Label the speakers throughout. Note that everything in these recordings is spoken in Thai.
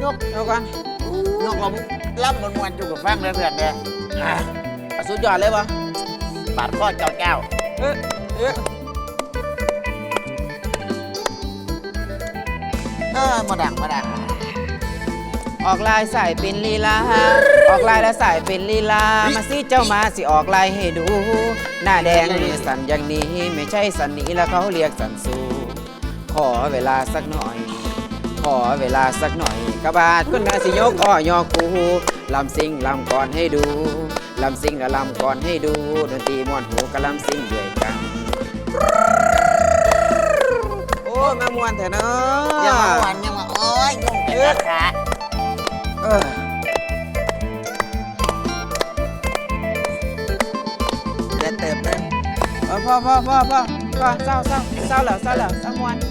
Speaker 1: กเอาก่อน
Speaker 2: ยกลมล่ำมวนๆอยู่กับฟังเลยเพื่อนเด้อ
Speaker 1: สุดยอดเลยปะ
Speaker 2: บาดข้อเจ้า
Speaker 1: เอ๊ะ
Speaker 2: มาดัง
Speaker 1: ออกลายสายเป็นลีลาออกลายและสายเป็นลีลามาสิเจ้ามาสิออกลายให้ดู หน้าแดงมือสั่นอย่างนี้ไม่ใช่สันนี้แล้วเขาเรียกสันสูขอเวลาสักหน่อย ขอเวลาสักหน่อยกระบาดคุณนาสิยกอ้อยอกูลำซิงลำก่อนให้ดูลำซิงและลำก่อนให้ดูดนตรีม่วนหูกับลำซิงด้วยกันโอ้แม่ม่วนแท้เนาะ
Speaker 2: ยังมาหวานยังมาโอ้ยยุ่งเป็นราคาจะเติมเลย
Speaker 1: พ่อเศร้าแล้วม่วน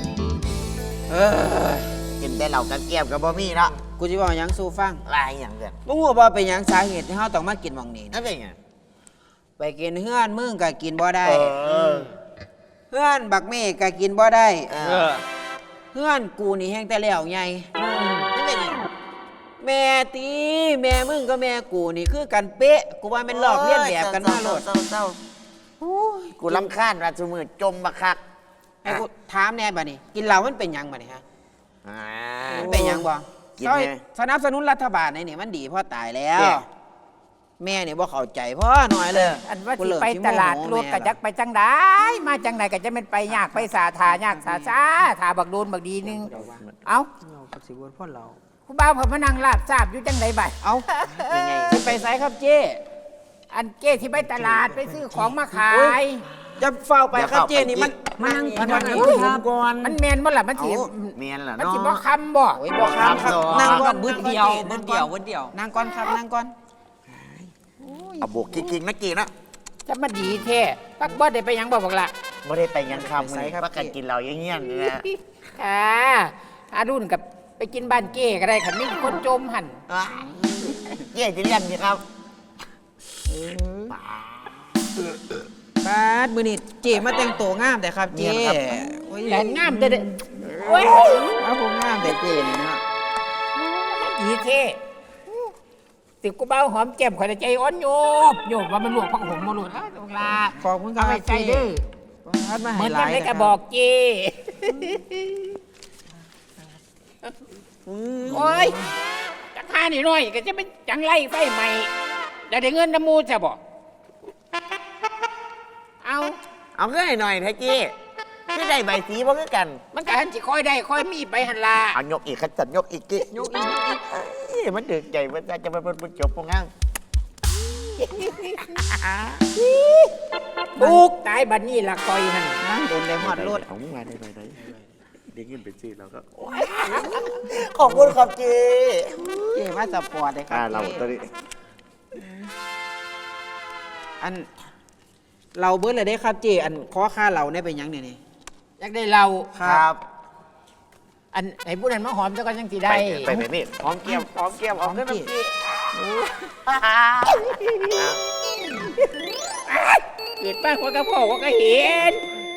Speaker 2: กินได้เหล่ากับเกี๊ยวกับบ่มีเนาะ
Speaker 1: กูจะบอกหยังสู้ฟัง
Speaker 2: ลายอย่างเดียว
Speaker 1: มึงรู้ว่าเป็นหยังสาเหตุที่เราต้องมากินหม่องนี้
Speaker 2: นั่นเป็นไง
Speaker 1: ไปกินเฮือนมึงก็กินบ่ได้เฮือนบักเมฆก็กินบ่ได้เฮือนกูนี่แห้งแต่แล้วไง
Speaker 2: นั่นเป็นไง
Speaker 1: แม่ตีแม่มึงก็แม่กูนี่คือกันเป๊ะกูว่าเป็นหลอกเลียนแบบกันมาโลด
Speaker 2: เศร้ากูรำคาญราชมือจมบักคัก
Speaker 1: ให้กูถามแน่บัดนี้กินเหล้ามันเป็นหยังบัดนี้ฮะมันเป็นหยังบ่
Speaker 2: กิน
Speaker 1: ซอย
Speaker 2: ไง
Speaker 1: สนับสนุนรัฐบาลนี่มันดีเพราะตายแล้ว
Speaker 2: แม่
Speaker 1: แม่เนี่ยบ่เข้าใจพ่อหน่อยเลย
Speaker 3: อันว่า
Speaker 1: กู
Speaker 3: สิ
Speaker 1: เริ่ม
Speaker 3: ไป
Speaker 1: สิโม
Speaker 3: ต
Speaker 1: โห
Speaker 3: ลาดรถ
Speaker 1: แม่
Speaker 3: กะจักไปจังได้มาจังไหนก็จะเป็นไปยากไปสาทายากสาถาบักโดนบักดีนึงเอ้า
Speaker 1: เอากับสิวนพ่อเรา
Speaker 3: คุณบ่าวเพิ่นมานั่งลาบทราบอยู่จังไดบัด
Speaker 1: เอาเป็นไงสิไปไสครับเจ้
Speaker 3: อันเก้ที่ไปตลาดไปซื้อของมาขาย
Speaker 1: จะเฝ้าไปครับเจ้นี่มัน
Speaker 3: มันนั่ง
Speaker 1: มัน
Speaker 2: ก่อน
Speaker 3: มันแม่นบ่ล่ะมันสิ
Speaker 2: เมียนเหรอ
Speaker 3: มัน
Speaker 2: เนาะ
Speaker 3: สิบ่คำบ่
Speaker 1: โอ้ยบอกครับครับ
Speaker 2: ครับ
Speaker 1: นั่งก่อน
Speaker 4: บึ้ดเดียวบึ้ดเดียวบึ้ดเดียว
Speaker 1: นั่งก่อนครับนั่งก่อน
Speaker 2: เอาบุกกิ๊กๆนะกี่นะ
Speaker 3: จะมาดีแท้ปักบ่ได้ไปหยังบ่บักล่ะ
Speaker 2: ไม่ได้ไปยังคำเลยประกันกินเราอย่างเงี้ยนี่นะ
Speaker 3: อารุ่นกับไปกินบ้านเก้ก็ได้คันมีคนจมหั่น
Speaker 2: เย่จะเรียนดีครับ
Speaker 1: บาดมื้อนี้เจ้มาแต่งตัวงามแต่ครับเจ้โอ้ย
Speaker 3: แหลนงามเด้อโอ้ย
Speaker 1: เอาผมงามแต่เจ้นี่นะ
Speaker 3: ดีแท้สิกูเบาหอมแก้มข่อยใจอ่อนโยบว่ามันลวกผักหงมาโลดอ้าวบักล่ะ
Speaker 1: ขอบคุณครั
Speaker 3: เอา
Speaker 1: บ
Speaker 3: ไปใจเด้อ
Speaker 1: บาดมา
Speaker 3: เห
Speaker 1: ให้
Speaker 3: มือน
Speaker 1: ห
Speaker 3: กั
Speaker 1: ลาน ย
Speaker 3: ได้
Speaker 1: นะ
Speaker 3: ก
Speaker 1: ค
Speaker 3: ระ
Speaker 1: รับ
Speaker 3: บอกเจโอ้ยจะฆ่าหน่อยก็จะเป็นจังไรไฟใหม่ได้เงินน้ำมูจะบอกเอา
Speaker 2: เอาขึ้นหน่อยแท็กกี้ไม่ได้ใบสีบ่คือกัน
Speaker 3: มันก็หันสิค่อยได้ค่อยมีไปหันลา
Speaker 2: เอายกอีกขจัดยกอีกกี้ยกอีกมันดึกใหญ่มันจะมันจบปงงั้ง
Speaker 3: บุกตายบัดนี้ละคอยหัน
Speaker 1: นั่งโดนได้ฮอดรถ
Speaker 2: เอามึงมาได้เด็กยินเป็นชื่อเราก็ขอบคุณครับจี
Speaker 1: เจ้มาสปอร์ตเลยครับ
Speaker 2: เราตอนนี้
Speaker 1: อันเราเบิดเลยได้ครับเจ้อันขอค่าเราเนี่ยเป็นหยังเนี่ยนี่
Speaker 3: อยากได้เรา
Speaker 2: ครับ
Speaker 3: อันไอ้ผู้นั้นมาหอมเจ้าก็ยังสิได้
Speaker 2: ไปนี่หอมเกี๊ยวหอมเกี๊ยวหอมขึ้นมาพี่
Speaker 3: เกิดป้าว่าก็พ่อว่าก็เห็น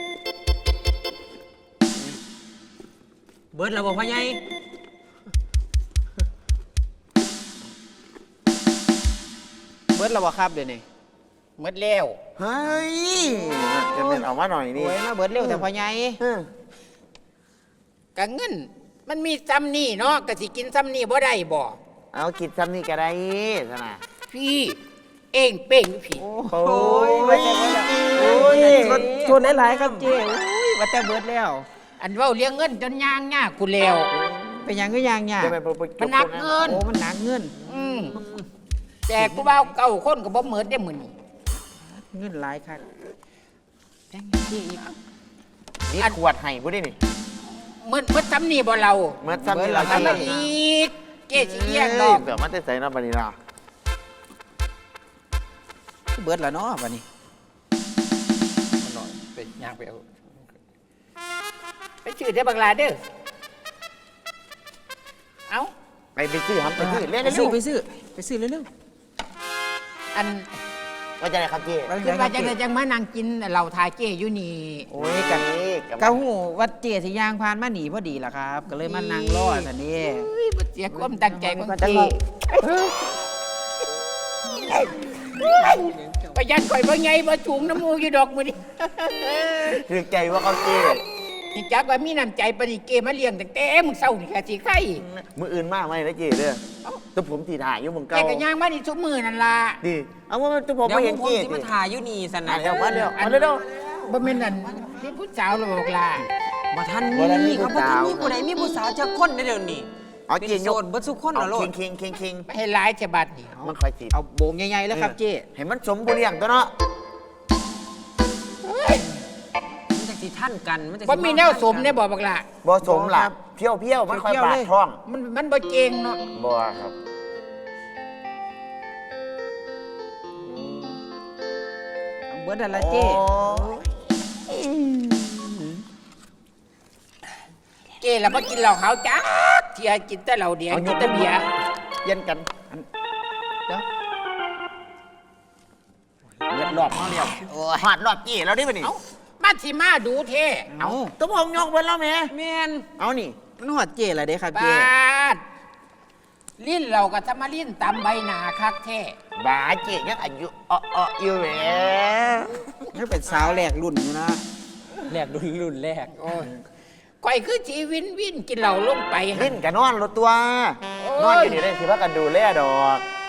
Speaker 1: เบิดเราบอกพ่อใหญ่เบิดเราบอกครับเดี๋ยวนี้
Speaker 3: หมดแล้ว
Speaker 2: เฮ้ยจะเป็นเอามาหน่อยนี่
Speaker 1: โอ้ยมาเบิดเร็วแต่พ่อใหญ่
Speaker 3: กะเงินมันมีซ้ำนี่เนาะกะสิกินซ้ำนี่บ่ได้บ่
Speaker 2: เอากินซ้ำนี่ก็ได้สนะ
Speaker 3: พี่เองเป้งอยู่พี่
Speaker 1: โอ้ยว่าแต่เบิดแล้วโอ้ยชวนหลายๆครับเจ้โอ้ยว่าแต่เบิดแล้ว
Speaker 3: อันเว้าเลี้ยงเงินจนย่างยากกูแล้ว
Speaker 1: เป็นหยังก็ยังเนี่ย
Speaker 2: จะเป็น
Speaker 3: มันหนักเงิน
Speaker 1: โอ้มันหนักเงิน
Speaker 3: แต่กูเบาเก่าคนก็บ่เหมือนได้มื้อนี้
Speaker 1: เงินหลายครับแบงค์ที่อีก
Speaker 2: นี่ขวดไห้พูดได้นี่
Speaker 3: เหมือนซ้ำนี่บ่เรา
Speaker 2: เมื่อซ้ำนี่เรา
Speaker 3: ทำมาอีกเกสิเลี้ยงดอก
Speaker 2: เดี๋ยวมันจะใส่น้ำบานิลา
Speaker 1: เบิดแล้วเนาะวันนี้
Speaker 3: มันน้อยไปย่างไปเอาไปชื่อได้บักลาเด้อเอ้า
Speaker 2: ไปซื้อครับไปซื้อเล่น
Speaker 1: ไป
Speaker 2: เร็
Speaker 1: ซื้อ
Speaker 2: ว
Speaker 1: ไปซื้อเร็ว
Speaker 3: อัน
Speaker 2: ว่าจะได้ครับเจ๊
Speaker 3: คือว่าจะได้จังมานั่งกินเหล้าทาเจ้อยู่นี่
Speaker 1: โอ้ยกันกะหูวัดเจสิยางผ่านมาหนีพอดีล่ะครับ ก็เลยมานั่งรอสันนี่
Speaker 3: เฮ้ยบ่เสียความตั้งใจของเจ้ประหยัดข่อยบ่ไงบ่ถุงน้ำมูกอยู่ดอกมื้อนี้
Speaker 2: ถือใจว่าเขาเจ๊
Speaker 3: นี่จักว่ามีน้ำใจปานนี้เกมาเลี้ยงตั้งแต่มึงเศร้านี่ค่ะสิไข่
Speaker 2: มืออื่นมากไหมนะเจ๊เด้อตัวผมตีถ่ายอยู่มึง
Speaker 3: แก
Speaker 2: เก่า
Speaker 3: ก็ย่างมานี่ทุกมื้อนั่นล่ะ
Speaker 2: ดีเอาว่าตัวผม
Speaker 1: เดี๋ยว
Speaker 2: ไม่เห็น
Speaker 1: ผม
Speaker 2: เจ๊
Speaker 1: สิมาถ่ายอยู่นี่สันนะ
Speaker 2: เดี๋ยวมาเดี๋ยวมาเดี๋ยว
Speaker 3: บ่แม่นนั่นนี่ผู้สาวหรอกล่ะ
Speaker 1: บ่ทัน
Speaker 2: บ่ทันมี
Speaker 1: มีครับ
Speaker 2: ผู้
Speaker 1: บ่ทัน
Speaker 2: สาว
Speaker 1: มีผู้ใดมีผู้สาวจักคนได้เดี๋ยวนี้
Speaker 2: เอา
Speaker 1: เป็น
Speaker 2: เจ๊ย
Speaker 1: โส
Speaker 2: ก
Speaker 1: ดเบิดทุกคน
Speaker 2: เอา
Speaker 1: น่ะโลด
Speaker 2: เคิง
Speaker 3: ไม่ให้หลายฉบับนี่
Speaker 2: มันคอยติด
Speaker 1: เอาโบงใหญ่ๆแล้วครับเจ้
Speaker 2: เห็นมันสมบูรณ์อย่างตัวเนาะ
Speaker 1: มันจักสิท่านกันมันจักสิ
Speaker 3: บ่มีแนวสมได้บ่บักล่ะ
Speaker 2: บ่สมล่ะเพี้ยวมันคอยบาดท้อง
Speaker 3: มันบ่เก่งเนาะ
Speaker 2: บ่ครับ
Speaker 1: เอาเบิดนั่นละเจ้
Speaker 3: เจ้แล้วบ่กินเหล้าขาวจ้าเที่ยกินแต่เหล้าแดงกินแต่เบียร์
Speaker 2: เย็นกัน
Speaker 1: เดี๋ยว
Speaker 2: เลือดรอบเขาเรียวหอดรอบจี้แล้วดิบ่นี่
Speaker 3: เอ้ามาสิมาดูเท่
Speaker 1: เอา
Speaker 2: ตัวผมยกไปแล้วแม่
Speaker 1: แม่น
Speaker 2: เอานี่
Speaker 1: มันหอดเจ้ละเด้ครับ
Speaker 3: บ
Speaker 1: เจ้
Speaker 3: าดลิ้นเราก็ทำมาลิ้นตำใบหน้าคักแท้
Speaker 2: บาเจ๊ยังอายุอยู่แหม
Speaker 1: นี่เป็นสาวแรกรุ่นอยู่นะแรกรุ่นแรก
Speaker 3: โอ้ยข่อยคือชีวินวินกินเหล้าลงไปหั่
Speaker 2: ลิ้นกับนอนรถตัวนอนอยู่นี่ได้สิว่ากันดูแลดอก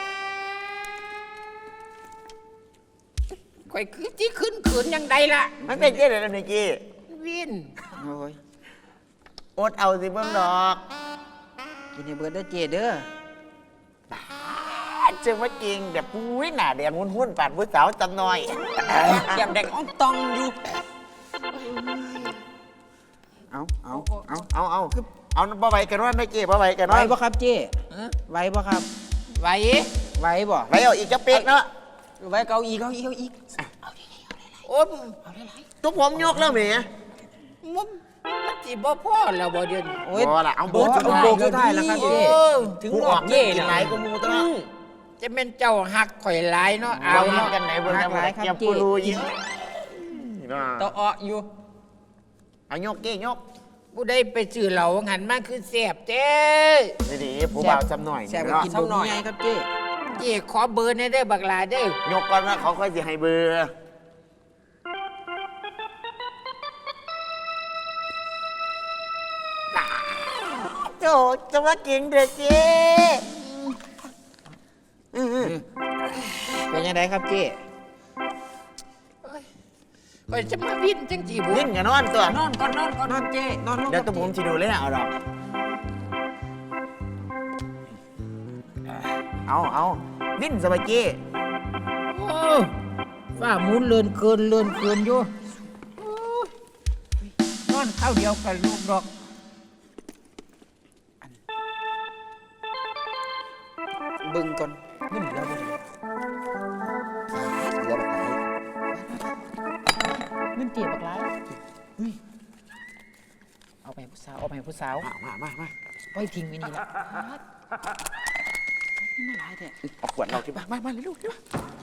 Speaker 3: ข่อยคือที่ขึ้นขืนยังใดล่ะ
Speaker 2: มันเป็นเจ๊เลยนะนิกกี้
Speaker 3: วิน
Speaker 1: โอ้ย
Speaker 2: อดเอาสิเบิ่งดอก
Speaker 1: กินให้เบิดเด้อเจ้เด้อ
Speaker 2: เจอว่าจริงแบบปุ้ยหน้าแดงหุ้นๆปาดผู้สาวจำหน่อย
Speaker 1: แก้มแดงอ่องตองอยู่เอา
Speaker 2: บ่ไหวกันว่าไม่เจ๊บ่ไหวกัน
Speaker 1: ไหว
Speaker 2: ว่า
Speaker 1: บ่ครับเจ้ไหวบ่ครับ
Speaker 3: ไหว
Speaker 1: ไหวบ่
Speaker 2: ไหวเอาอีกจะเป๊กเนาะ
Speaker 1: ไหวเกาอีก
Speaker 3: โอ้ย
Speaker 2: ตัวผมยกแล้วแหม
Speaker 3: มันสิบ่พอแล้วบ่เดี๋ยวนี้
Speaker 1: โอ้ย
Speaker 2: บ่ล่ะเอา
Speaker 1: เบิดสุดโบกสุดท้ายแล้วครับ
Speaker 3: โอ้
Speaker 1: เจ้
Speaker 3: ย
Speaker 1: ถึง
Speaker 2: ผู้
Speaker 1: ร
Speaker 2: อ
Speaker 1: อ
Speaker 2: อบ ก
Speaker 1: เย่
Speaker 2: กิน
Speaker 1: นะ
Speaker 2: หลายกว่าหมูตัวเนาะ
Speaker 3: จะเป็นเจ้าหักข่อยหลายเนาะเอา
Speaker 2: เอาเนาะ
Speaker 3: เนาะ
Speaker 2: กันไหนเบิ่งกันอย่าปูรูยิง
Speaker 1: ต่ออ้ออยู่
Speaker 2: เอายกเก้ยก
Speaker 3: ผู้ใดไปซื้อเหล้าหันมาคือแซ่บเจ้
Speaker 2: ดีๆผู้บ่าวจำหน่อย
Speaker 1: แซ่บ
Speaker 2: เนาะ
Speaker 1: กินบ่มีไงครับเจ้
Speaker 3: เจ้ขอเบอร์ในเด้อบักหลาเด้อย
Speaker 2: กก่อนว่าเขาค่อยสิให้เบอร์โจจะว่าจริงเด้อเจ๊
Speaker 1: เป็นยังไงครับเจ้
Speaker 3: ข่อยจะมาวินจังจีบุ
Speaker 2: ยิ่งอย่านอนตัวน
Speaker 1: อนก่อนนอนเจ้นอนลง
Speaker 2: เดี๋ยวตัวผมสิดูเลยเอาดอกเอาวิ่นสบายเจ้
Speaker 3: โอ้ฝ้าหมุนเลื่อนเกินอยู่โอ้ยนอนเข้าเดียวกับลูกดอก
Speaker 1: บึงก่อนมึนแล้วบ่
Speaker 2: เดี๋ยวไป
Speaker 1: มึนเจ็บบักหลายเฮ้ยเอาไปให้ผู้สาว
Speaker 2: มา
Speaker 1: ไว้ทิ้งไว้นี่ละนี่มาหลายแท้
Speaker 2: เอาขวดเราที่บ้านมาเลยลูกที่บ้าน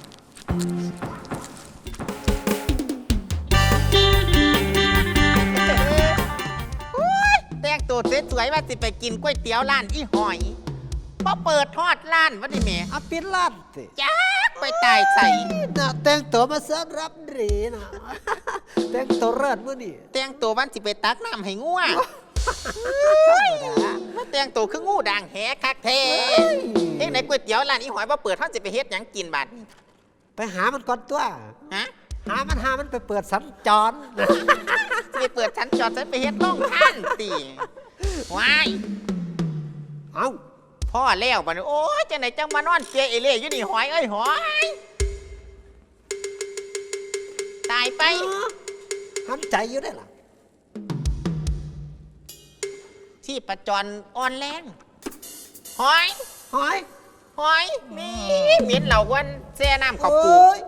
Speaker 4: แต่งตัวสวยๆว่าสิไปกินก๋วยเตี๋ยวร้านอีหอยพอเปิดทอดร้านว่าดิแม่
Speaker 5: อาปิดลาดสิ
Speaker 4: จักไปตายใส่
Speaker 5: น่ะแต่งตัวมาเสิร์ฟรับหรีนะ แต่งตัวเลิศมื้อนี่
Speaker 4: แต่งตัววันสิไปตักน้ำให้งัวมาแต่งตัวคืองูด่างแหคักแท้เอ็งไหนก๋วยเตี๋ยวร้านอีหอยว่าเปิดทอดสิไปเฮ็ดหยังกินบัดนี้
Speaker 5: ไปหามันก่อนตัว
Speaker 4: ฮะ
Speaker 5: หามันไปเปิดสัญจร
Speaker 4: สิไปเปิดชั้นจอดฉันไปเฮ็ดล่องท่านตีว้าย
Speaker 5: เอ้า
Speaker 4: พ่อแล้วบัดนี้โอ้ยจังไหนจังมานอนเจเอเล่อยู่นี่หอยเอ้ยหอยตายไป
Speaker 5: ทำใจอยู่ได้ล่ะ
Speaker 4: ที่ประจรอ่อนแรงหอย
Speaker 5: หอย
Speaker 4: หอยมีเหม็นเหล่าวันแซ่น้ำเขาวปู
Speaker 5: โอ้ย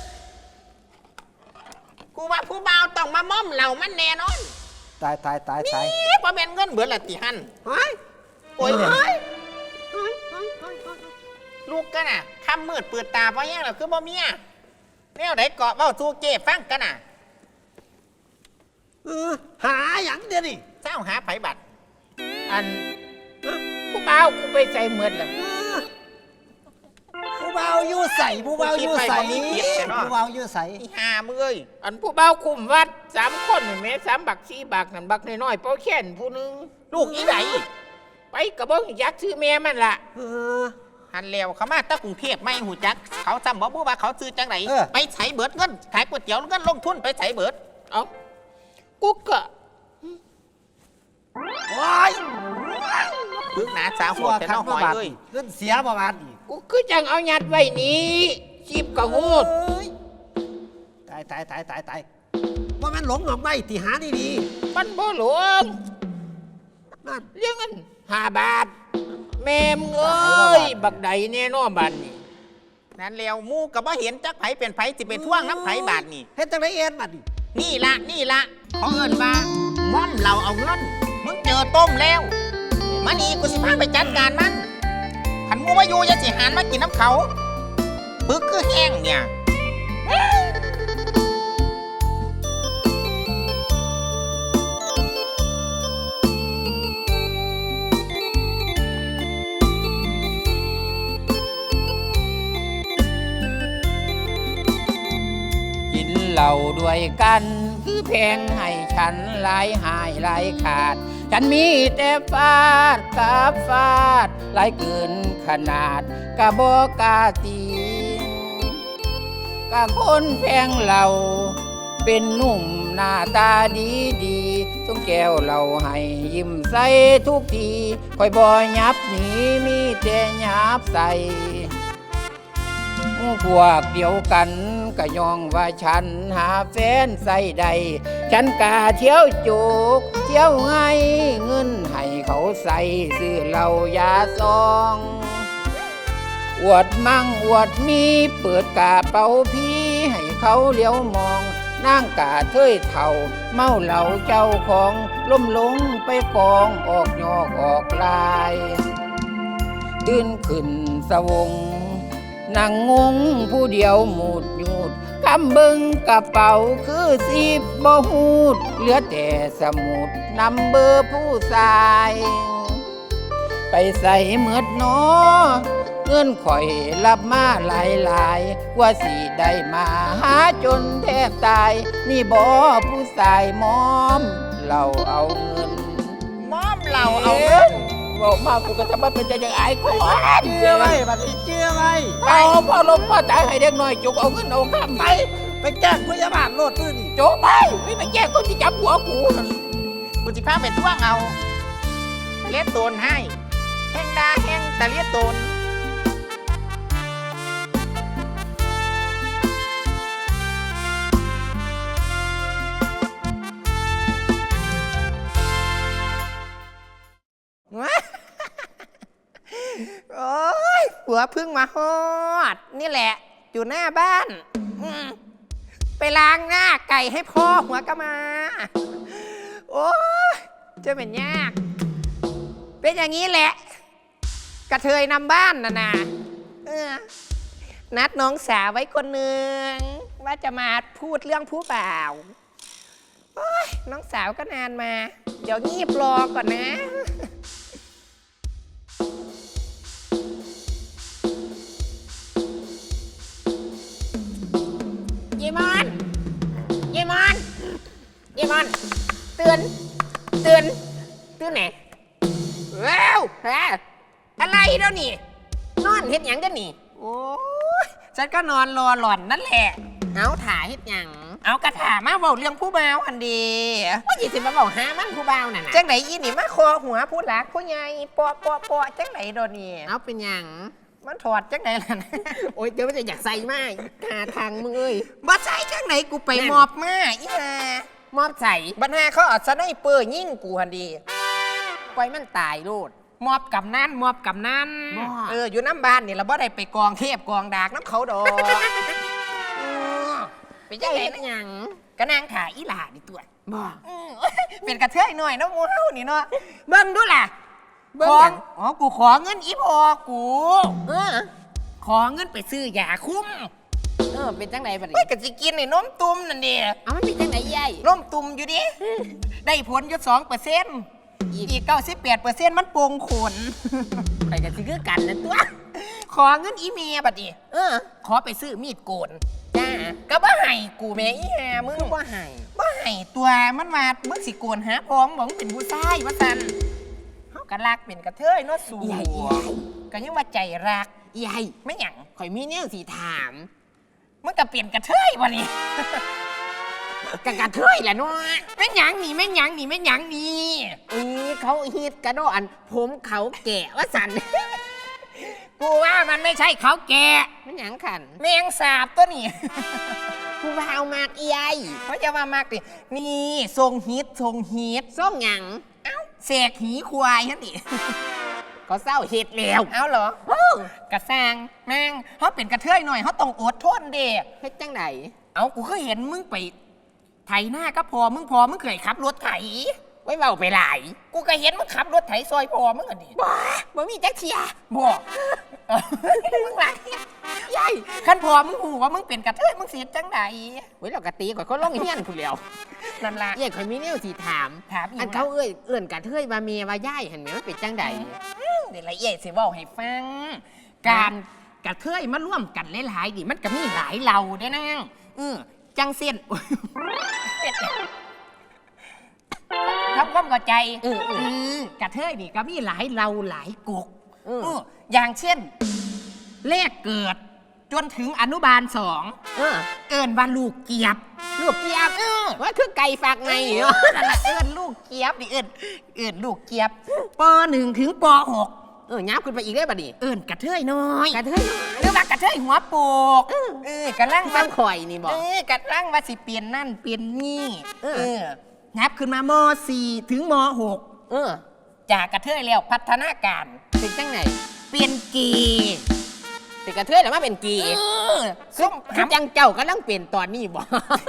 Speaker 4: กูว่าผู้บ่าวต้องมาม่อมเหล่ามันแน่นอน
Speaker 5: ตาย
Speaker 4: นี่พอเป็นเงินเบื่อละติหัน
Speaker 5: หอย
Speaker 4: โอ้ยหอยลูกกันน่ะคำมืดเปิดตาเพราะแย่งเราคือบ่เมียแนวไหนเกาะเบ้าสู้เจ้ฟังกันน่ะ
Speaker 5: หาอย่างเดียวนี่
Speaker 4: เจ้าหาไผบัตร
Speaker 3: อันผู้บ่าวกูไปใส่เหมือนล่ะ
Speaker 5: ผู้เบาอยู่ใส่ผู้เบาอยู่ใส่ผู้เบาอยู่ใส่
Speaker 4: อีหามึงเอ้ย
Speaker 3: อันผู้บ่าวคุมวัด3 คนนี่แม่3 บัก4 บักนั่นบักน้อยๆเป้าแค้นผู้หนึง
Speaker 4: ลูกอีไหน
Speaker 3: ไปกระบอกยักษ์ชื่อแม่มันล่ะ
Speaker 4: หันแล้วเขามาตะกรุงเทพไม่หูจัก เขาจำบอกว่าเขาซื้อจังไหนไปใช้เบิดเงินขายก๋วยเตี๋ยวเงินลงทุนไปใช้เบิด
Speaker 3: เอากูก็
Speaker 5: ว้าย
Speaker 4: พึกหนาสาวโหดแต่น้องหอยเลย
Speaker 5: เงินเสียประมาณนี้
Speaker 3: กูคือจังเอายัดไว้นี้ชีบกระหูด
Speaker 5: ตายว่ามันหลงออกไปที่หาดี
Speaker 3: มันบ่หลวง
Speaker 5: ๆนั่น
Speaker 3: เลี้ยงเงิน5 บาท แม่มึงเอ้ยบักใดแน่นอนบัดนี้
Speaker 4: นั่นแล้วมูกับว่าเห็นจักไผเป็นไผสิเป็นท่วงน้ำไผบาทนี่
Speaker 5: เฮ็ดจังไดเอ็นบัดนี่
Speaker 4: นี่ละเขาเอินว่าม่อนเราเอาเงินมึงเจอต้มแล้วมานี่กูสิพาไปจัดการมันขันมูมาอยู่อยาสิหานมากินน้ำเขาปึ๊กคือแห้งเนี่ย
Speaker 3: กินเหล้าด้วยกันคือแพงให้ฉันหลายหายหลายขาด ฉันมีแต่ฟาดกับฟาดหลายเกินขนาดกะบอกกาตีกะคนแพงเหล้าเป็นหนุ่มหน้าตาดีดีต้องแก้วเหล้าให้ยิ้มใส่ทุกทีคอยบ่ยับหนีมีแต่ยับใส่พวกเดียวกันก็ยองว่าฉันหาแฟนใส่ใดฉันกาเที่ยวโจกเที่ยวให้เงินให้เขาใส่ซื้อเหล้ายาซองอวดมั่งอวดมีเปิดกาเป๋าพี่ให้เขาเลี้ยวมองนั่งกาเทยเท่าเมาเหล้าเจ้าของล้มลงไปกองออกยอกออกลายตื่นขึ้นสวงนั่งงงผู้เดียวหมุดหยุดคำเบิงกระเป๋าคือ10บ่หูดเหลือแต่สมุดนำเบอร์ผู้ชายไปใส่เมือดนอเงินข่อยรับมาหลายๆว่าสิได้มาหาจนแทบตายนี่บ่ผู้ชายมอมเราเอาเงิน
Speaker 4: ม่อมเราเอาเงิน
Speaker 3: บอกมากูก็จะมาเป็นใจอย่างไอ้คน
Speaker 5: เชื่อไว้บัดนี้เชื่อไว้
Speaker 3: เอาพ่อลมพ่อตายให้เด็กน้อยจุกเอาเงินเอาข้ามไป
Speaker 5: ไปแจ้งพยาบาลโลดตื้อนี่
Speaker 3: โจกไปไม่ไปแก้คนที่จับหัวกู
Speaker 4: กูสิพาไปท่วงเอาเลียดโตนให้แห้งดาแห้งแต่เลียดโตน
Speaker 1: โอ้ยผัวเพิ่งมาฮอด นี่แหละ อยู่หน้าบ้านไปล้างหน้าไก่ให้พ่อหัวก็มา โอ้ยจะเป็นยาก เป็นอย่างนี้แหละ กระเทยนำบ้านนะนัดน้องสาวไว้คนหนึ่งว่าจะมาพูดเรื่องผู้บ่าวโอ้ยน้องสาวก็นานมา เดี๋ยวงีบรอก่อนนะ
Speaker 3: เยมอนเยมอนเยมอนตื่นไหนว้าวฮะอะไรเดี๋ยวนี้นอนเฮ็ดหยังกันนี่
Speaker 1: โอ้ยฉันก็นอนรอหล่อนนั่นแหละ
Speaker 3: เอาถ่ายเฮ็ดหยัง
Speaker 1: เอากระถามาบอกเรื่องผู้บ่าวอันดี
Speaker 3: ว่าสิมาบอกหามันผู้บ่าวน่ะนะ
Speaker 1: จังไหนอีนี่มาคอหัวผู้หลักผู้ใหญ่ปอจังไหนโดนนี่
Speaker 3: เอาเป็นหยัง
Speaker 1: มันถอดจังไหนล่ะนะ
Speaker 3: โอ๊ยเดี๋ยวมันจะอยากใส่มากหาทางมึงเอ้ย
Speaker 1: มาใส่จังไหนกูไปมอบมาอีห่าม
Speaker 3: อบใส่
Speaker 1: บัญหาเขาเอาสไนเปอร์ยิงกูหันดี
Speaker 3: ปล่อยมันตายโลด
Speaker 1: มอบกับนั่น
Speaker 3: บ่
Speaker 1: อยู่น้ำบ้านนี่เราบ่ได้ไปกองเทพกองดากน้ำเขาดอกไปจังไหน
Speaker 3: เฮ็ด
Speaker 1: นะ
Speaker 3: หยัง
Speaker 1: กระนางขาอีหลานี่ตัว
Speaker 3: บ่
Speaker 1: เป็นกระเทยหน่อยเนาะหมูเฮานี่เนาะเบิ่งดูล่ะ
Speaker 3: เบิ่ง
Speaker 1: ข
Speaker 3: ห
Speaker 1: อ
Speaker 3: ยัง
Speaker 1: อ๋อกูขอเงินอีพอกู
Speaker 3: เออ
Speaker 1: ขอเงินไปซื้อยาคุ้ม
Speaker 3: เป็นจังไดบัด
Speaker 4: ไม่
Speaker 3: นี้
Speaker 4: ก็สิกินไอ้นมตุ่มนั่นเด้
Speaker 3: เอามันเป็นจังไดยาย
Speaker 4: นมตุ่มอยู่ดิได้ผลอยู่2%อีก98%มันโป่งขน
Speaker 3: ไปกันสิคือกันนะตัว
Speaker 4: ขอเงินอีเมียบัดนี้ขอไปซื้อมีดโกน
Speaker 3: จ้า
Speaker 4: ก็บ่ให้กูแม่อีแฮมึง
Speaker 3: คือบ่ให้
Speaker 4: บ่ให้ตัวมันมามึงสิโกนหาพ้องบอกมึงเป็นผู้ชายว่าซั่นเฮาก็รักเป็นกระเทยเนาะสูก็ยังว่าใจรัก
Speaker 3: ยาย
Speaker 4: ไม่หยัง
Speaker 3: ข่อยมีแนวสิถาม
Speaker 4: มึงก็เปลี่ยนกระเทยบ่นี่
Speaker 3: กะเทยแหละเนาะ
Speaker 4: แม่นหยังนี่แม่นหยังนี่แม่นหยังนี่
Speaker 3: เขาฮิตกระโดดอันผมเขาแก่ว่าสัน
Speaker 4: กูว่ามันไม่ใช่เขาแก่
Speaker 3: มันหยังขัน
Speaker 4: แมงสาบตัวนี่
Speaker 3: ผู้บ่าวมากอียาย
Speaker 4: เขาจะมามากดินี่ทรงฮิตทรงฮิต
Speaker 3: ส่งหยัง
Speaker 4: เอ้าเสกหีควายฮะดิ
Speaker 3: ก็เศร้าเฮ็ดแล้ว
Speaker 4: เอาเหรอกระซังแม่งเขาเป็นกระเทยหน่อยเขาต้องอดทนเด็ก
Speaker 3: เฮ็ดจังได
Speaker 4: เอากูเคยเห็นมึงไปไถหน้าก็พอมึงเคยขับรถไถ
Speaker 3: ไว้เว้าไปหลาย
Speaker 4: กูก็เห็นมึงขับรถไถซอยพอมึงอ่ะดิ
Speaker 3: บ่มีจักเทีย
Speaker 4: บอกมึงไรยายขันพอมึงหูว่ามึงเป็นกระเทยมึงเสียจังใด
Speaker 3: เว้ยเรากะตีข่อยก็ลงเฮียนผู้เดียว
Speaker 4: นั่นล่ะ
Speaker 3: ยายข่อยมีแนวสิถาม
Speaker 4: ถามอีก
Speaker 3: อันเขาเอื้อนกะเทยว่าเมียว่ายายหั่นแหมมันเป็นจังได
Speaker 4: เดี๋ยวละเอียดสิบอกให้ฟัง การกระเทยมาร่วมกันหลายๆดิมันก็มีหลายเราได้นั่งจังเส้น ทำความเข้าใจกระเทยนี่ก็มีหลายเราหลายกกอย่างเช่น เลขเกิด จนถึงอนุบาล2เอิ้นว่าลูกเกียบ
Speaker 3: ลูกเกียบว่าคือไก่ฝากไงเนาะ
Speaker 4: นั่นแหละเอิ้นลูกเกียบดิเอิ้นลูกเกียบป .1 ถึงป .6
Speaker 3: ยับขึ้นไปอีกได้บัดนี้
Speaker 4: เอิ้นกระเทยน้อย
Speaker 3: กะเทย
Speaker 4: หรือว่ากระเทยหัวโปกกระลัง
Speaker 3: ฟั
Speaker 4: ว่าง
Speaker 3: ข่อยนี่บอก
Speaker 4: กระลังว่าสิเปลี่ยนนั่นเปลี่ยนนี่นับขึ้นมาม.4 ถึงม.6 จากกระเทยแล้วพัฒนาการ
Speaker 3: เป็นจังไหน
Speaker 4: เปลี่ยนเกย์
Speaker 3: เป็นกระเทยหรือว่าเป็นกี
Speaker 4: ส้ม
Speaker 3: คือจังเจ้ากำลังเปลี่ยนตอนนี้บอก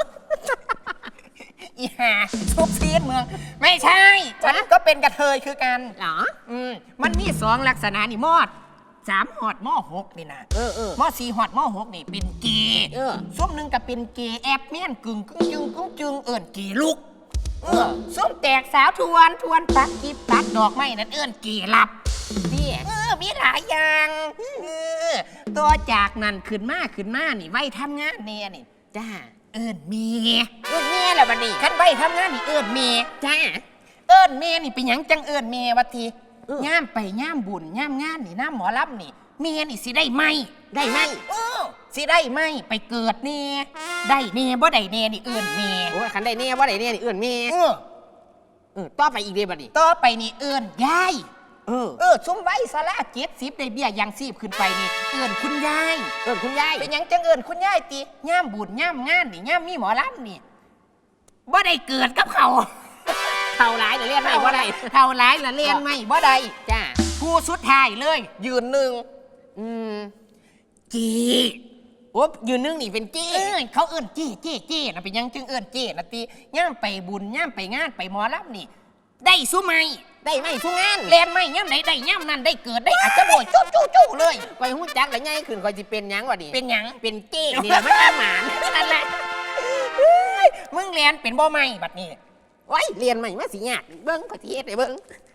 Speaker 4: อีห่าทุบซีดเมืองไม่ใช่ฉันก็เป็นกระเทยคือกัน
Speaker 3: เหรอ
Speaker 4: มันมี2ลักษณะนี่มอด3 หอดม.6 นี่นะม.4 หอดม.6 นี่เป็นเกย์ส้มหนึ่งก็เป็นเกย์แอบเมียนกึ่งจึงเอิ้นเกย์ลุกส้มแตกสาวทวนปักกิบตัดดอกไม้นั่นเอิ้นเกย์ลับ
Speaker 3: นี่
Speaker 4: มีหลายอย่างตัวจากนั้นขึ้นมานี่ไว้ทำงานเนี่ยนี่
Speaker 3: จ้า
Speaker 4: เอิ้นเมีย
Speaker 3: แม่แล้วบัดนี้
Speaker 4: คันไว้ทำงานนี่เอิ้นเมีย
Speaker 3: จ้า
Speaker 4: เอิ้นเมียนี่เป็นหยังจังเอิ้นเมียวัดทีย่ามไปย่ามบุญย่ามงานนี่น้ำหมอรับนี่เมียนี่สิได้ไหม
Speaker 3: ได้ไหม
Speaker 4: สิได้ไหมไปเกิดเน่ได้เน่บ่ได้เน่นี่เอิ้นเมีย
Speaker 3: โอ้ยคันได้แน่ว่าได้แน่นี่เอื้อนแม่ต่อไปอีกเด้บัดนี้
Speaker 4: ต่อไปนี่เอิ้นยาย ซุ่มไว้สาระ70ได้เบี้ยยังชีพขึ้นไปนี่เอิ้นคุณยาย
Speaker 3: เอื้อนคุณยาย
Speaker 4: เป็นหยังจังเอิญคุณยายติย่ามบุญย่ามงานนี่ย่ามมีหมอลำนี่บ่ได้เกิดกับเขา
Speaker 3: เท่าหลายเดี๋ยวเรียนไม่ว่าได้
Speaker 4: เท่าหลายละเรียนไม่บ่ได้
Speaker 3: จ้า
Speaker 4: ผู้สุดท้ายเลย ยืนหนึ่งจี
Speaker 3: โอ้ยืนนึงนี่เป็นจี้
Speaker 4: เขาเอิ้นจี้นะเป็นหยังจึงเอิ้นจี้นะติย่ามไปบุญย่ามไปงานไปหมอลำนี่ ได้สุไหม
Speaker 3: ได้ไหมทุกงาน
Speaker 4: เรียนไม่ย่ามไหนได้ย่ามนั้นได้เกิดได้อาจจะโดยจู้เลย
Speaker 3: ไปหู้จักแล้วง่ายขึ้นคอยจะเป็นหยังวะดิ
Speaker 4: เป็นหยัง
Speaker 3: เป็นจี้นี่แหละมันหมาน
Speaker 4: นั่นแหละมึงเรียนเป็นบ่ไม่บัดนี้
Speaker 3: ไว้เรียนใหม่มาสิยากเบิ้งขอทีเอสเลยเบิ้ง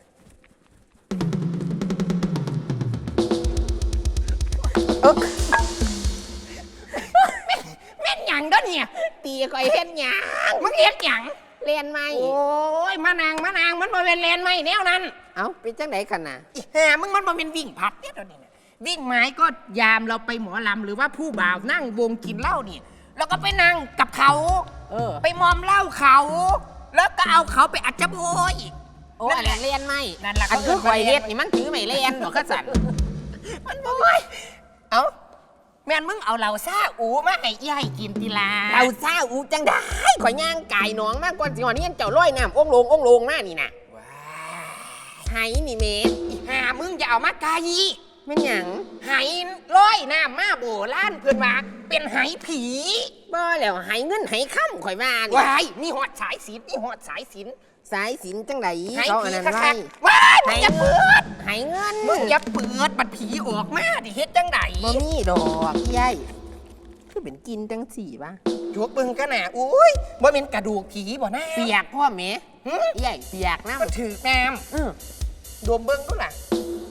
Speaker 4: แม่นหยังเด้อเนี่ย
Speaker 3: ตีคอยเฮ็ดหยัง
Speaker 4: มึงเฮ็ดหยัง
Speaker 3: เรียนใหม่
Speaker 4: โอ้ยมานางมันบ่เป็นแลนไม่แนวนั้น
Speaker 3: เอ้าเป็นจังไหนกันน่ะ
Speaker 4: อีห่ามึงมันบ่เป็นวิ่งผัดเนี่ยเดี๋ยวนี้นะวิ่งไม้ก็ยามเราไปหมอลำหรือว่าผู้บ่าวนั่งวงกินเหล้านี่เราก็ไปนั่งกับเขา ไปมอมเหล้าเขา แล้วก็เอาเขาไปอัดจโบย
Speaker 3: โอ้อันนั้นเรียนใหม่
Speaker 4: นั่นล่ะ
Speaker 3: อันคือคอยเฮ็ดนี่มันถือไม่เรียนหรอกข้าสัน
Speaker 4: มันบ่ไหวเอ้าแม่นมึงเอาเหล้าซ่าอูมาให้ยายกินติลา
Speaker 3: เราเศร้าอูจังได้ข่อยย่างกายน้องมากกว่าสิหอนี่เจ้าร้อยน้ำองลงมานี่น่ะ
Speaker 4: ว้า
Speaker 3: ไหนี่เมตร
Speaker 4: อีห่ามึงอย่าเอามาไกล
Speaker 3: มันหยัง
Speaker 4: ไหร้อยน้ำมาโบล้านเพื่อนว่าเป็นไหผี
Speaker 3: บ่แล้วไหเงินไหค่ำข่อยว่านี่
Speaker 4: วายมีหอดสายสินมีหอดสายสิน
Speaker 3: สายสินจังได
Speaker 4: ไห
Speaker 3: เขาอั
Speaker 4: ผี
Speaker 3: นนั้น
Speaker 4: คั
Speaker 3: ไว้
Speaker 4: กๆว้ายมึงอย่าเปิด
Speaker 3: ไหเงิน
Speaker 4: มึงอย่าเปิดบัดผีออกมาดิเฮ็ดจังได
Speaker 3: บ่มีดอกยายคือ
Speaker 6: เป็นกินจังสี่วะ
Speaker 4: จวกเบิ่งกันน่ะอุ้ยบ่เป็นกระดูกผีบ่นะ
Speaker 6: เปียกพ่อแม่ใหญ่เปียกนะ
Speaker 4: มันถือน้ำดมเบิ่งดูล่ะ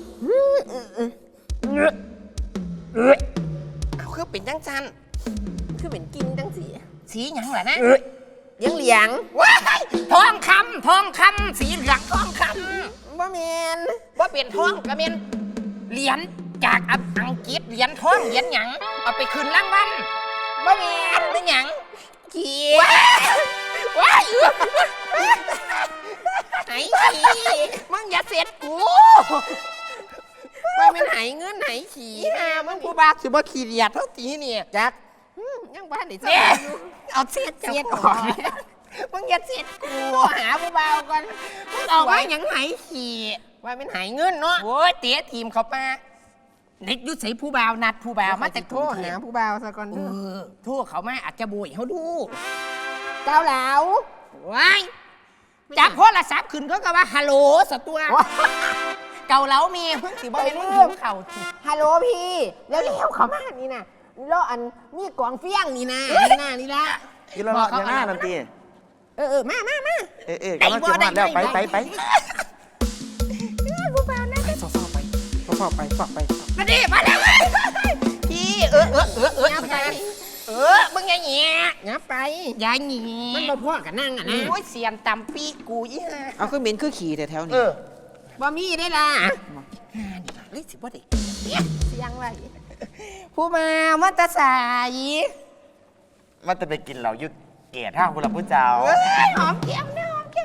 Speaker 4: เอาคือเป็นจังซัน
Speaker 6: คือเป็นกินจังสี่
Speaker 4: สีหยังล่ะนะ
Speaker 6: ยังเหลียง
Speaker 4: ว้ายทองคำสีเหลืองทองค
Speaker 6: บ่แมน
Speaker 4: ำว่าเป็นทองก็เป็นเหรียญจากอังกฤษเหรียญทองเหรียญหยังเอาไปคืนรางวัลบ่แม่นเป็นหยัง
Speaker 6: ขี้
Speaker 4: ว้าย
Speaker 6: ไหนขี้มึงอย่าเสร็จกูว่าเป็นไหเงินไหขี้มึงผู้บาสิบ่ขี้เดียดเท่าตีเนี่ยจักยังบ้านไหน
Speaker 4: เนี่ย
Speaker 6: เอาเสียดออกมึงอย่าเสียดกูหาผู้บ่าวก่อนมึงออกมาหยังไหขี้ว่าเป็นไหเงินเนาะ
Speaker 4: โอ้ยเตะทีมเขามาเด็กยุทธใส่ผู้บ่าวนัดผู้บ่าวมาจาก
Speaker 6: โทรหาผู้บ่าวซะก่อน
Speaker 4: เออโทรเขามาอาจจะบุยเขาดู
Speaker 6: เก้าเหลา
Speaker 4: ว้ายจับโทรศัพท์ขึ้นก็ว่าฮัลโหลสตัว เก่าเล้าเมียเพิ่งสิบ่เป็นลูกหิวเข่าที
Speaker 6: ฮัลโหลพี่แล้วเขามานี่นะแล้วอันนี่กองเฟี้ยงนี่นะนี่ละ
Speaker 2: กินแล้วอย่างหน้านันตี
Speaker 6: มา
Speaker 2: กำลังจะมาแล้วไป
Speaker 6: ผู้บ่าวนะ
Speaker 2: ฝากไป
Speaker 4: มาดิมาแล้วพี่
Speaker 6: ยับไป
Speaker 4: มึงอย่าแหย่
Speaker 6: ยับไป
Speaker 4: อย่าแหย่
Speaker 6: มันมาพ่อกันนั่งอ่ะนะ
Speaker 4: โอ้ยเสียมตำปีกูอีห่า
Speaker 1: เอาคือเหม็นคือขี่แถวๆนี้
Speaker 6: บ่มีได้ล่ะ
Speaker 4: เฮ้ยสิบ่ได้
Speaker 6: เสียงไว้
Speaker 4: ผู้มามาตาสาย
Speaker 2: มันจะไปกินเหล่ายุดเกศห้าคุณละผู้เจ้า
Speaker 6: หอมเกี๊ยวนะหอมเกี๊ยว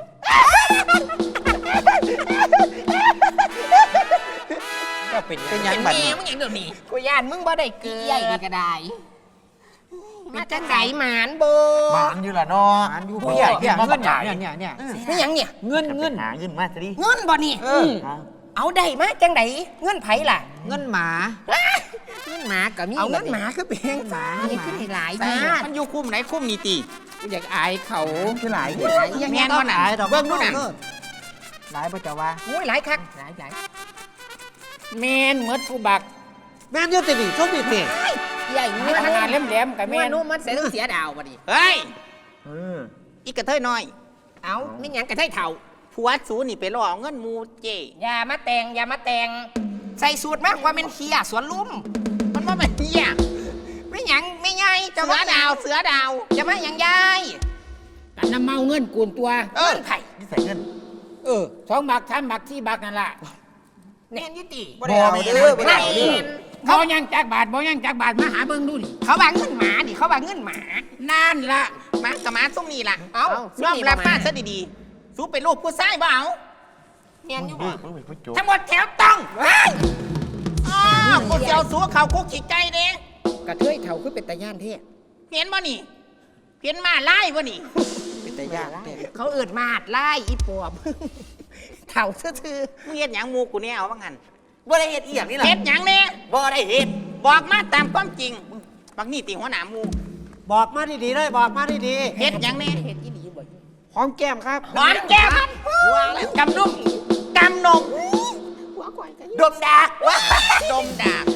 Speaker 2: ก็เป็น
Speaker 1: เป็นหยั
Speaker 4: เป็
Speaker 1: ง
Speaker 4: น
Speaker 1: บัด
Speaker 4: เมีย
Speaker 1: นี้
Speaker 4: มึงอย่างเดี๋ยวนี้กูย่านมึงบ่ได้เกิ
Speaker 6: ใหญ่
Speaker 4: ด
Speaker 6: นี่ก็ได้
Speaker 4: มาจังไดหมานโบ
Speaker 2: หวานอยู่ละเนาะ
Speaker 1: อ่านอยู่ผู้ใหญ่เนี่ยเงินเนี่ย
Speaker 4: ไม่หยังเนี่ย
Speaker 1: เงิน
Speaker 2: หาเงินมาสิ
Speaker 4: เงินบ่นี่เอาได้มาจังไดเงินไผล่ะ
Speaker 1: เงินหมา
Speaker 6: เงินหมาก็มี
Speaker 4: เอาเงินหมาคือเป็น
Speaker 6: หมานี่ขึ้นให้หลาย
Speaker 4: จ้า
Speaker 6: จ้า
Speaker 4: มันอยู่คุ้มไหนคุ้มนี่ตี
Speaker 3: อยากอายเขา
Speaker 2: คือหลาย
Speaker 4: ยังแม่นบ่น่ะเบิ่งดูน่ะ
Speaker 1: หลายประจาว่า
Speaker 4: โอ้ยหลายคัก
Speaker 6: หลาย
Speaker 3: แม่นเหมือนผู้บัก
Speaker 5: แม่นอยู่ติดิชมดิเพลง
Speaker 6: ใหญ่
Speaker 3: มีขนาดแหลมๆกับ
Speaker 6: แม่
Speaker 3: แม่น
Speaker 6: นุ่มมันเสียดาวบ่ดิ
Speaker 4: เฮ้ย
Speaker 2: เออ
Speaker 4: อีกระเทยน้อย เอาไม่หยังกระเทยเฒ่าผัวสูนี่ไปล่อเอาเงินหมูเจอย่ามาแต่งใส่สูตรมากกว่าเป็นเฮียสวนลุมมันว่าเป็นเฮียไม่หยังไม่ใหญ่เสือดาวอย่ามาหยังยาย
Speaker 3: กันน้ำเมาเงินกูนตัว
Speaker 4: เงินไผ่
Speaker 2: นี่ใส่เงิน
Speaker 3: 2 บัก 3 บัก 4 บักนั่นล่ะ
Speaker 4: แน่นอยุติ
Speaker 2: บ่ได้เอาเด้อบ่ได้เอาเด้อ
Speaker 3: บ่ยังจักบาทมาหาเบิ่งดูนี่
Speaker 4: เขาว่าเงินหมาดิเขาว่าเงินหมา
Speaker 3: นั่นล่ะ
Speaker 4: หมากับหมาส้มนี่ล่ะเอายอมรับป้าซะดีๆสู้เป็นลูกผู้ชายบ่เอา
Speaker 6: เนียนอยู่
Speaker 2: มึ
Speaker 6: บ่
Speaker 2: งเป็นผู้โจ
Speaker 4: ทั้งหมดแถวต้องอ้าวกูเจียวสู้เขาคุกขีดใจเด้
Speaker 6: กระเทยเฒ่าคือเป็นตาย่านเท่
Speaker 4: เห็นบ่นี่เห็นมาไล่บ่นี่
Speaker 1: เป็นแต่ยากแต่
Speaker 4: เขาเอิดมาดไล่อีปอบเถ่าซื่อๆมึงเฮ็ดหยังหมูกูเนี่ยเอาว่างั้น
Speaker 2: บ่ได้เฮ็ดอีหยังนี่ล่ะ
Speaker 4: เฮ็ดหยังเนี่ย
Speaker 2: บ่ได้เฮ็ด
Speaker 4: บอกมาตามความจริงบักนี่ตีหัวหน้าหมู
Speaker 5: บอกมาดีๆเลยบอกมาดี
Speaker 4: เฮ็ดหยังเนี่ย
Speaker 6: เฮ็ดอีหลีบ่
Speaker 1: หอมแก้มครับ
Speaker 4: หอมแก้มกำนุ่มกำนม
Speaker 6: หัวข่อยก็
Speaker 4: ดมดากดมดาก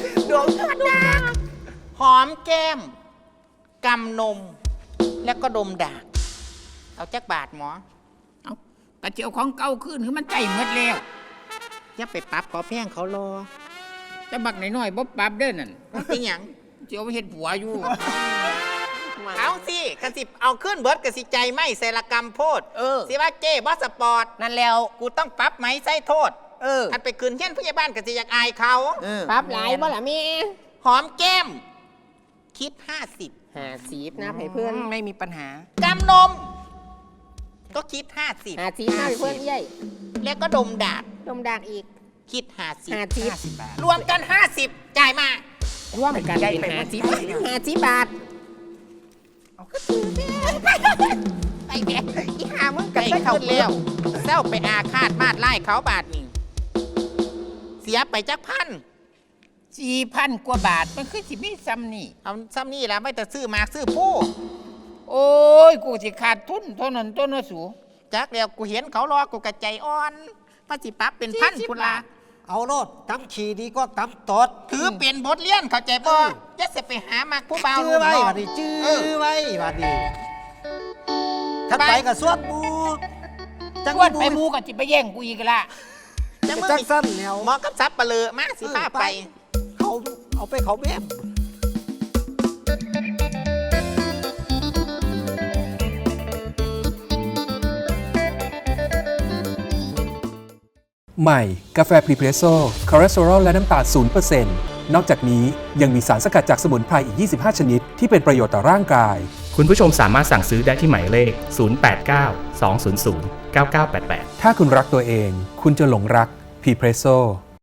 Speaker 4: หอมแก้มกำนม แล้วก็ดมดากเอาจักบาทหมอ
Speaker 3: เอากระเจียวของเก่าขึ้นคือมันใจหมดแล้ว
Speaker 4: อย่าไปปรับขอแพงเขารอ
Speaker 3: แต่บักน้อยๆบ่ปรับเด้อนั่น
Speaker 4: เป็นหยัง
Speaker 3: สิเอาไปเฮ็ดผัวอยู่
Speaker 4: เอาสิกระสิบเอาขึ้นเบิร์ดกระสิใจไม่ใส่ละกรรมโพดสิว่าเจ้บอสปอร์ตนั่นแล้วกูต้องปรับไหมใส่โทษอันไปคืนเช่นผู้ใหญ่บ้านกระสิอยากอายเขา
Speaker 6: ปรับหลายบ่ล่ะแม่
Speaker 4: หอมแก้ม คิด50
Speaker 6: 50นะให้เพื่อน
Speaker 4: ไม่มีปัญหากำนม ก็คิด50
Speaker 6: 50นะให้เพื่อนใหญ่
Speaker 4: แล้วก็ดมดาด
Speaker 6: ดมดากอีก
Speaker 4: คิด50
Speaker 6: 50
Speaker 4: บาทรวมกัน50จ่ายมา
Speaker 6: ร่วมกันเป็น50 บาท
Speaker 4: ไอ้แกอีหามึงไก่ขึ้นแล้วเศร้าไปอาฆาตมาดไล่เขาบาทนี่เสียไปจักพัน
Speaker 3: 4,000 กว่าบาทมันคือสิมีซ้ำนี่
Speaker 4: เอาซ้ำนี่แล้วไม่แต่ซื้อมากซื้อผู้
Speaker 3: โอ้ยกูสิขาดทุนเท่านั้นต้นว่าสู
Speaker 4: จักแล้วกูเห็นเขารอกูกระใจอ่อนพระสิปั๊บเป็นพันพุนละ
Speaker 5: ๆเอาโลดตำขี่ดีก็ตำตด
Speaker 4: ถือเป็นบทเรียนเข้าใจบ่จะเสไปหามักผู้บ่าว
Speaker 5: จื้อไว้
Speaker 4: ลูกน้ง
Speaker 5: บัดนี้จื้
Speaker 4: เออ
Speaker 5: อไว้บัดนี้ถ้า
Speaker 4: ไป
Speaker 5: ไปกับสวดบูจัง
Speaker 3: วันไปมูกับจิไปแย่งกูอีกละ
Speaker 4: จะมึง
Speaker 5: จังสั้นแล้ว
Speaker 4: หมอกับซับปะเลอมาสิพาไป
Speaker 5: เขาเอาไปเขาแม่ม
Speaker 7: ใหม่ กาแฟพรีเพรสโซ่คอเลสเตอรอลและน้ำตาล 0% นอกจากนี้ยังมีสารสกัดจากสมุนไพรอีก 25 ชนิด ที่เป็นประโยชน์ต่อร่างกาย
Speaker 8: คุณผู้ชมสามารถสั่งซื้อได้ที่หมายเลข 089 200 9988
Speaker 7: ถ้าคุณรักตัวเอง คุณจะหลงรักพรีเพรสโซ่